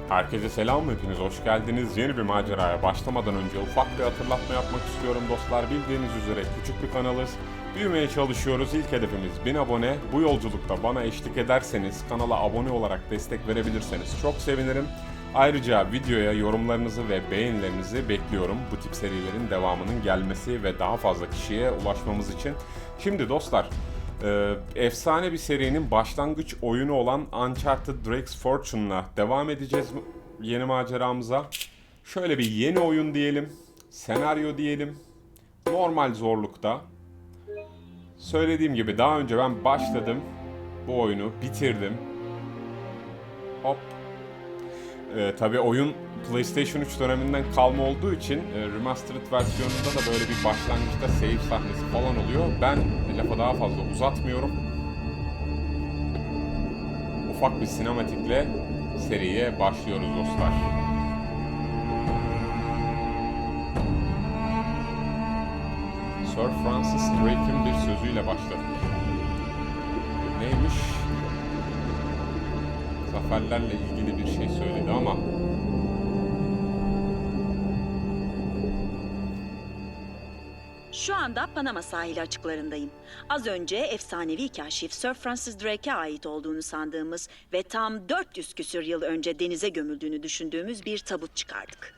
Herkese selam, hepiniz hoş geldiniz. Yeni bir maceraya başlamadan önce ufak bir hatırlatma yapmak istiyorum dostlar. Bildiğiniz üzere küçük bir kanalız. Büyümeye çalışıyoruz. İlk hedefimiz 1000 abone. Bu yolculukta bana eşlik ederseniz, kanala abone olarak destek verebilirseniz çok sevinirim. Ayrıca videoya yorumlarınızı ve beğenilerinizi bekliyorum. Bu tip serilerin devamının gelmesi ve daha fazla kişiye ulaşmamız için. Şimdi dostlar, efsane bir serinin başlangıç oyunu olan Uncharted Drake's Fortune'la devam edeceğiz yeni maceramıza. Şöyle bir yeni oyun diyelim, senaryo diyelim, normal zorlukta. Söylediğim gibi daha önce ben başladım, bu oyunu bitirdim. Hop. Tabii oyun PlayStation 3 döneminden kalma olduğu için remastered versiyonunda da böyle bir başlangıçta save sahnesi falan oluyor. Ben lafa daha fazla uzatmıyorum. Ufak bir sinematikle seriye başlıyoruz dostlar. Sir Francis Drake'in bir sözüyle başladık. Neymiş? Zaferlerle ilgili bir şey söyledi ama Şu anda Panama sahili açıklarındayım. Az önce efsanevi kaşif Sir Francis Drake'e ait olduğunu sandığımız ve tam 400 küsür yıl önce denize gömüldüğünü düşündüğümüz bir tabut çıkardık.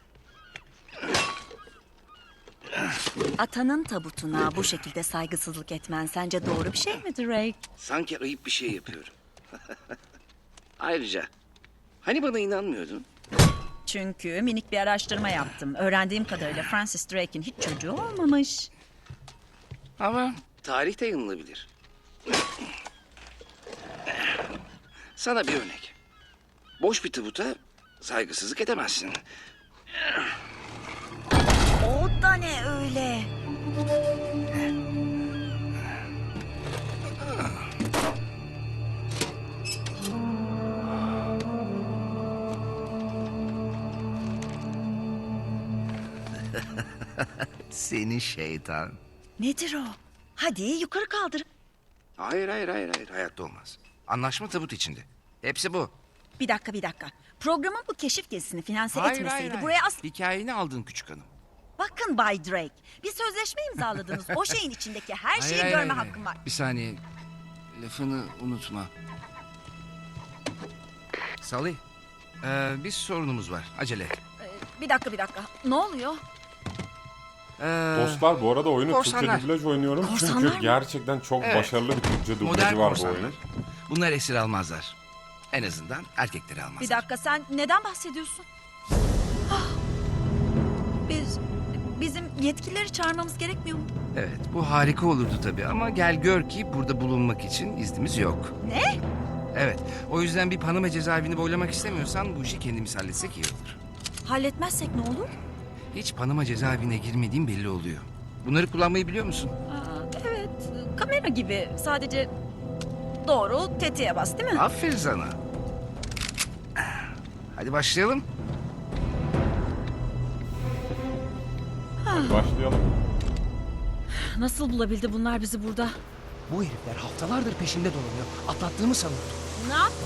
Atanın tabutuna bu şekilde saygısızlık etmen sence doğru bir şey mi Drake? Sanki ayıp bir şey yapıyorum. Ayrıca hani bana inanmıyordun? Çünkü minik bir araştırma yaptım. Öğrendiğim kadarıyla Francis Drake'in hiç çocuğu olmamış. Ama tarih de yanılabilir. Sana bir örnek. Boş bir tabuta saygısızlık edemezsin. O da ne öyle? Seni şeytan. Nedir o? Hadi yukarı kaldır. Hayır. Hayatta olmaz. Anlaşma tabut içinde. Hepsi bu. Bir dakika. Programın bu keşif gezisini finanse etmeseydi buraya Hikayeni aldın küçük hanım. Bakın Bay Drake, bir sözleşme imzaladınız. O şeyin içindeki her şeyi görme hakkım var. Bir saniye. Lafını unutma. Salih. Bir sorunumuz var. Acele et. Bir dakika. Ne oluyor? dostlar bu arada oyunu korsanlar. Türkçe dublaj oynuyorum. Korsanlar Çünkü mı? gerçekten çok Evet. başarılı bir Türkçe Modern dublajı var bu korsanlar. oyunun. Bunlar esir almazlar. En azından erkekleri almazlar. Bir dakika, sen neden bahsediyorsun? Ah! Bizim yetkilileri çağırmamız gerekmiyor mu? Evet, bu harika olurdu tabii ama gel gör ki burada bulunmak için iznimiz yok. Ne? Evet, o yüzden bir Panama cezaevini boylamak istemiyorsan bu işi kendimiz halletsek iyi olur. Halletmezsek ne olur? Hiç Panama cezaevine girmediğim belli oluyor. Bunları kullanmayı biliyor musun? Evet, kamera gibi. Sadece doğru tetiğe bas, değil mi? Aferin sana. Hadi başlayalım. Hadi başlayalım. Nasıl bulabildi bunlar bizi burada? Bu herifler haftalardır peşimde dolanıyor. Atlattığımı sanıyordum. Ne yaptın?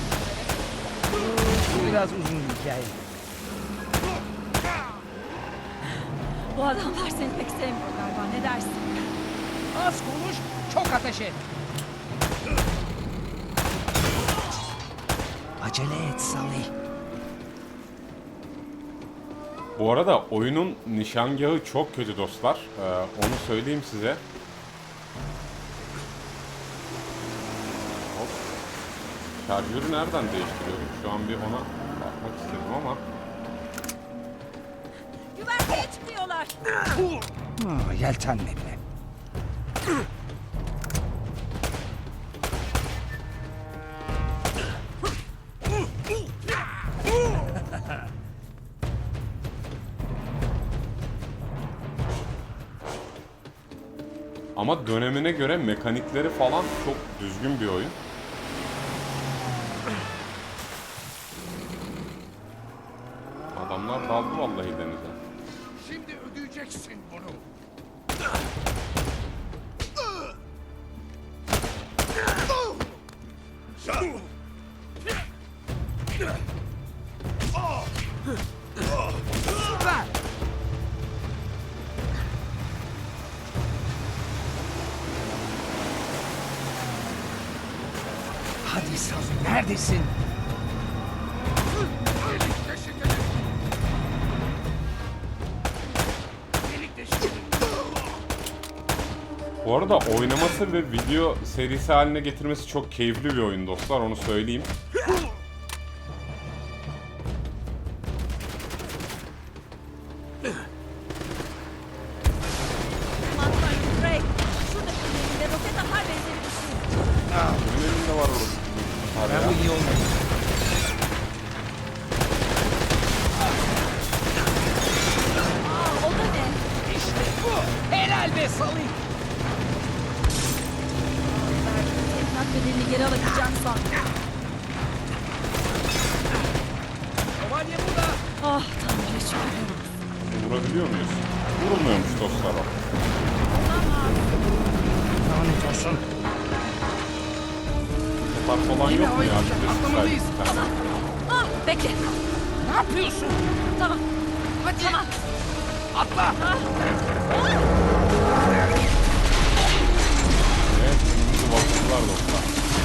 Bu biraz uzun bir hikaye. Bu adamlar seni pek sevmiyor galiba. Ne dersin? Az konuş, çok ateş et. Acele et Salih. Bu arada oyunun nişangahı çok kötü dostlar. Onu söyleyeyim size. Hop. Şarjörü nereden değiştiriyorum? Şu an bir ona bakmak istedim ama. Güverteye çıkıyorlar. Yeltenme bile. Ama dönemine göre mekanikleri falan çok düzgün bir oyun. Adamlar daldı vallahi denize. Şimdi ödeyeceksin bunu. Süper. Hadi Sully, neredesin? Delik deşik edin. Delik deşik edin. Bu arada oynaması ve video serisi haline getirmesi çok keyifli bir oyun dostlar, onu söyleyeyim. Aman tanrım Drake. Şuradaki elinde roket atar benzeri bir şey. Benim elimde var orada. Abi ya. Bu iyi olmadı. Aa, o da ne? İşte bu. Helal be Sully. Teminat bedelini geri alabileceğim sandım. Şövalye burada. Ah Tanrı'ya şükür. Vurabiliyor muyuz? Vurulmuyormuş dostlar o. Lanet olsun. Topar falan Yine yok mu ya? havaya Bir de atlamalıyız. bir tane. Ah bekle. Ne yapıyorsun? Tamam. Hadi. Tamam. Atla. Evet, önümüzü bastılar dostlar.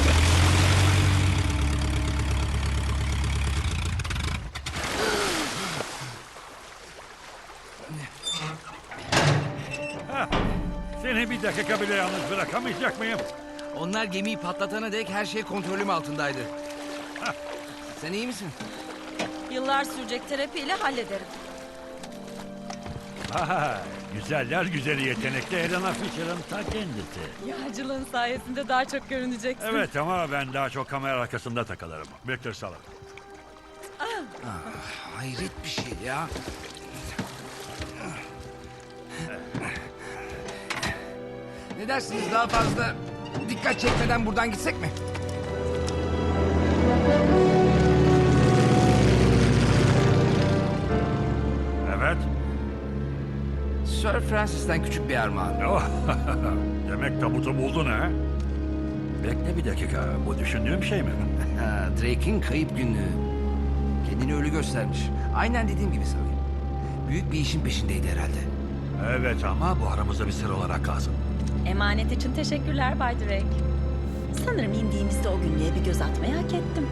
Seni bir dakika bile yalnız bırakamayacak mıyım? Onlar gemiyi patlatana dek her şey kontrolüm altındaydı. Sen iyi misin? Yıllar sürecek terapiyle hallederim. Aha, güzeller güzeli yetenekli Helena Fisher'ın ta kendisi. Yağcılığın sayesinde daha çok görüneceksin. Evet ama ben daha çok kamera arkasında takılırım. Victor Salım. Hayret bir şey ya. Ne dersiniz, daha fazla dikkat çekmeden buradan gitsek mi? Evet. Sir Francis'ten küçük bir armağan. Oh, demek tabutu buldun ha? Bekle bir dakika. Bu düşündüğüm şey mi? Ha, Drake'in kayıp günlüğü. Kendini ölü göstermiş. Aynen dediğim gibi sanırım. Büyük bir işin peşindeydi herhalde. Evet ama bu aramızda bir sır olarak kalsın. Emanet için teşekkürler Bay Drake. Sanırım indiğimizde o günlüğe bir göz atmayı hak ettim.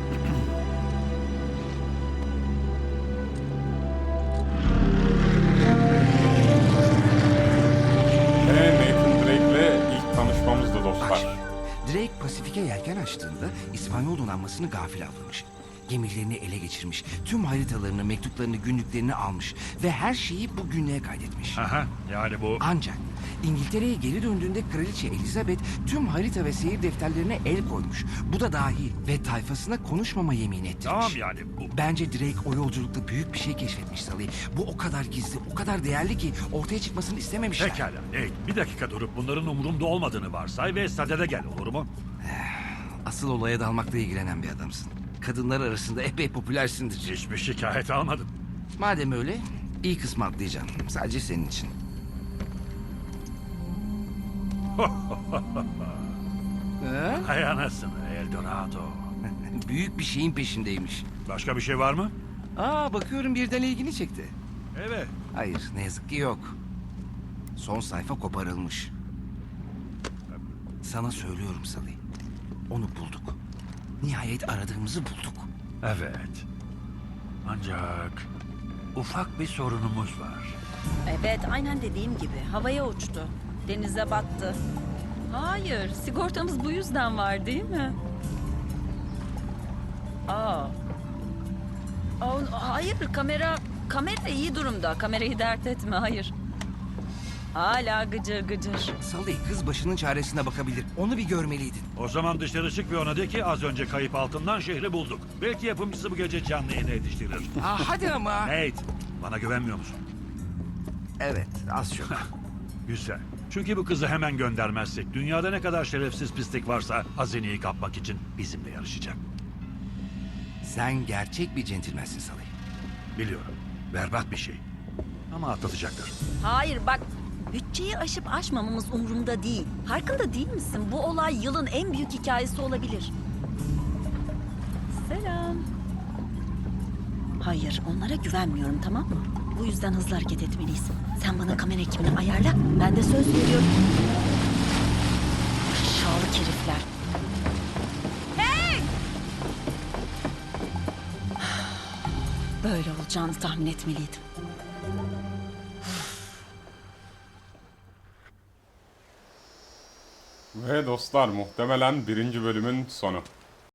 Ve Nathan Drake'le ilk tanışmamızdı Bak dostlar. şimdi, Drake Pasifik'e yelken açtığında İspanyol donanmasını gafil avlamış. Gemilerini ele geçirmiş. Tüm haritalarını, mektuplarını, günlüklerini almış. Ve her şeyi bu günlüğe kaydetmiş. Aha, yani bu... Ancak İngiltere'ye geri döndüğünde Kraliçe Elizabeth tüm harita ve seyir defterlerine el koymuş. Bu da dahil ve tayfasına konuşmama yemin ettirmiş. Tamam yani bu... Bence Drake o yolculukta büyük bir şey keşfetmiş Sully. Bu o kadar gizli, o kadar değerli ki ortaya çıkmasını istememişler. Pekala Nate, bir dakika durup bunların umurumda olmadığını varsay ve sadede gel, olur mu? Asıl olaya dalmakla ilgilenen bir adamsın. Kadınlar arasında epey popülersindir. Hiçbir şikayet almadım. Madem öyle, iyi kısmı atlayacağım. Sadece senin için. Ha? Hay anasını, Eldorado. Büyük bir şeyin peşindeymiş. Başka bir şey var mı? Aa, bakıyorum birden ilgini çekti. Evet. Hayır, ne yazık ki yok. Son sayfa koparılmış. Sana söylüyorum Sully. Onu bulduk. Nihayet aradığımızı bulduk. Evet. Ancak ufak bir sorunumuz var. Evet, aynen dediğim gibi. Havaya uçtu. Denize battı. Hayır, sigortamız bu yüzden var değil mi? Aa. Hayır, kamera iyi durumda. Kamerayı dert etme, hayır. Hala gıcır gıcır. Sully, kız başının çaresine bakabilir. Onu bir görmeliydin. O zaman dışarı çık ve ona de ki az önce kayıp altından şehri bulduk. Belki yapımcısı bu gece canlı yayına yetiştirir. Aa, hadi ama. Nate, bana güvenmiyor musun? Evet, az çok. Güzel. Çünkü bu kızı hemen göndermezsek dünyada ne kadar şerefsiz pislik varsa hazineyi kapmak için bizimle yarışacak. Sen gerçek bir centilmensin Sully. Biliyorum. Berbat bir şey. Ama atlatacaktır. Hayır bak, bütçeyi aşıp aşmamamız umurumda değil. Farkında değil misin? Bu olay yılın en büyük hikayesi olabilir. Selam. Hayır, onlara güvenmiyorum, tamam mı? Bu yüzden hızlı hareket etmeliyiz. Sen bana kamera ekibini ayarla, ben de söz veriyorum. Aşağılık herifler. Hey! Böyle olacağını tahmin etmeliydim. Ve dostlar muhtemelen birinci bölümün sonu.